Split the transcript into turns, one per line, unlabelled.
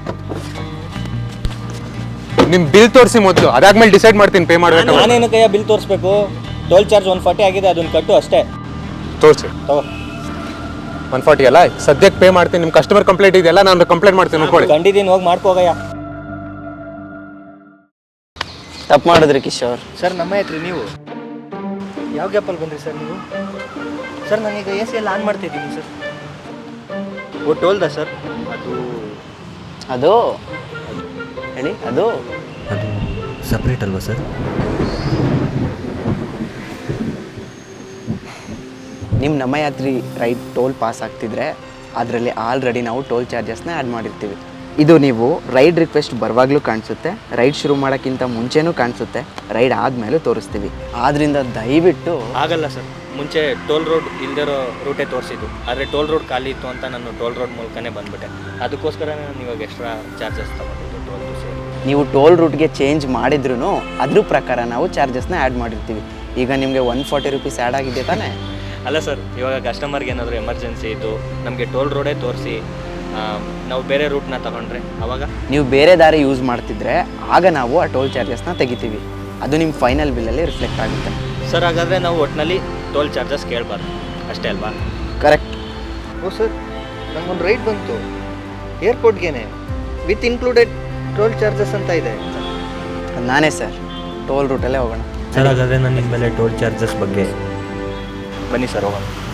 ನಿಮ್ ಬಿಲ್ ತೋರಿಸಿ ಮೊದಲು, ಅದಾದ್ಮೇಲೆ ಡಿಸೈಡ್ ಮಾಡ್ತೀನಿ ಪೇ ಮಾಡ್ಬೇಕು.
ನಾನೇನು ಕೈಯ ಬಿಲ್ ತೋರಿಸ್ಬೇಕು? ಟೋಲ್ ಚಾರ್ಜ್ 140 ಆಗಿದೆ, ಅದನ್ನ ಕಟ್ಟು ಅಷ್ಟೇ.
ತೋರಿಸಿ.
ತಗೋ
140 ಅಲ್ಲ, ಸದ್ಯಕ್ಕೆ ಪೇ ಮಾಡ್ತೀನಿ. ನಿಮ್ಮ ಕಸ್ಟಮರ್ ಕಂಪ್ಲೇಂಟ್ ಇದೆಯಲ್ಲ, ನಾನು ಕಂಪ್ಲೇಂಟ್ ಮಾಡ್ತೀನಿ ನೋಡ್ಕೊಳ್ಳಿ.
ಕಂಡಿದ್ದೀನಿ, ಹೋಗಿ ಮಾಡ್ಕೋಗಯ್ಯ.
ತಪ್ಪು ಮಾಡಿದ್ರಿ ಕಿಶೋರ್.
ಸರ್ ನಮ್ಮ ಹತ್ರ ನೀವು ಯಾವ ಗ್ಯಾಪಲ್ಲಿ ಬಂದ್ರಿ ಸರ್ ನೀವು? ಸರ್ ನಾನೀಗ AC ಎಲ್ಲ ಆನ್ ಮಾಡ್ತಾಯಿದ್ದೀನಿ ಸರ್. ಓ ಟೋಲ್ದ ಸರ್?
ಅದು ಹೇಳಿ, ಅದು
ಸಪ್ರೇಟ್ ಅಲ್ವಾ ಸರ್?
ನಿಮ್ಮ ನಮ್ಮ ಯಾತ್ರಿ ರೈಡ್ ಟೋಲ್ ಪಾಸ್ ಆಗ್ತಿದ್ರೆ ಅದರಲ್ಲಿ ಆಲ್ರೆಡಿ ನಾವು ಟೋಲ್ ಚಾರ್ಜಸ್ನ ಆ್ಯಡ್ ಮಾಡಿರ್ತೀವಿ. ಇದು ನೀವು ರೈಡ್ ರಿಕ್ವೆಸ್ಟ್ ಬರುವಾಗಲೂ ಕಾಣಿಸುತ್ತೆ, ರೈಡ್ ಶುರು ಮಾಡೋಕ್ಕಿಂತ ಮುಂಚೆನೂ ಕಾಣಿಸುತ್ತೆ, ರೈಡ್ ಆದಮೇಲೂ ತೋರಿಸ್ತೀವಿ. ಆದ್ದರಿಂದ ದಯವಿಟ್ಟು
ಆಗಲ್ಲ ಸರ್. ಮುಂಚೆ ಟೋಲ್ ರೋಡ್ ಇಲ್ದಿರೋ ರೂಟೇ ತೋರಿಸಿದ್ದು, ಆದರೆ ಟೋಲ್ ರೋಡ್ ಖಾಲಿ ಇತ್ತು ಅಂತ ನಾನು ಟೋಲ್ ರೋಡ್ ಮೂಲಕನೇ ಬಂದುಬಿಟ್ಟೆ. ಅದಕ್ಕೋಸ್ಕರ ನಾನು ಇವಾಗ ಎಕ್ಸ್ಟ್ರಾ ಚಾರ್ಜಸ್ ತೊಗೊಂಡಿದ್ದು ಟೋಲ್ ಸೇರಿ.
ನೀವು ಟೋಲ್ ರೂಟ್ಗೆ ಚೇಂಜ್ ಮಾಡಿದ್ರೂ ಅದ್ರ ಪ್ರಕಾರ ನಾವು ಚಾರ್ಜಸ್ನ ಆ್ಯಡ್ ಮಾಡಿರ್ತೀವಿ. ಈಗ ನಿಮಗೆ 140 ರೂಪೀಸ್ ಆ್ಯಡ್ ಆಗಿದೆ ತಾನೇ?
ಅಲ್ಲ ಸರ್, ಇವಾಗ ಕಸ್ಟಮರ್ಗೆ ಏನಾದರೂ ಎಮರ್ಜೆನ್ಸಿ ಇದ್ದು ನಮಗೆ ಟೋಲ್ ರೋಡೇ ತೋರಿಸಿ ನಾವು ಬೇರೆ ರೂಟ್ನ ತಗೊಂಡ್ರೆ ಅವಾಗ
ನೀವು ಬೇರೆ ದಾರಿ ಯೂಸ್ ಮಾಡ್ತಿದ್ರೆ ಆಗ ನಾವು ಆ ಟೋಲ್ ಚಾರ್ಜಸ್ನ ತೆಗಿತೀವಿ. ಅದು ನಿಮ್ಮ ಫೈನಲ್ ಬಿಲ್ಲಲ್ಲಿ ರಿಫ್ಲೆಕ್ಟ್ ಆಗುತ್ತೆ.
ಸರ್ ಹಾಗಾದರೆ ನಾವು ಒಟ್ಟಿನಲ್ಲಿ ಟೋಲ್ ಚಾರ್ಜಸ್ ಕೇಳಬಾರ್ದು ಅಷ್ಟೇ ಅಲ್ವಾ?
ಕರೆಕ್ಟ್.
ಓ ಸರ್, ನಂಗೊಂದು ರೈಡ್ ಬಂತು ಏರ್ಪೋರ್ಟ್ಗೇನೆ, ವಿತ್ ಇನ್ಕ್ಲೂಡೆಡ್ ಟೋಲ್ ಚಾರ್ಜಸ್ ಅಂತ ಇದೆ.
ನಾನೇ ಸರ್, ಟೋಲ್ ರೂಟಲ್ಲೇ ಹೋಗೋಣ.
ಸರ್ ಹಾಗಾದರೆ ನಾನು ಇನ್ಮೇಲೆ ಟೋಲ್ ಚಾರ್ಜಸ್ ಬಗ್ಗೆ ಬನ್ನಿ ಸರ್ ಹೋಗೋಣ.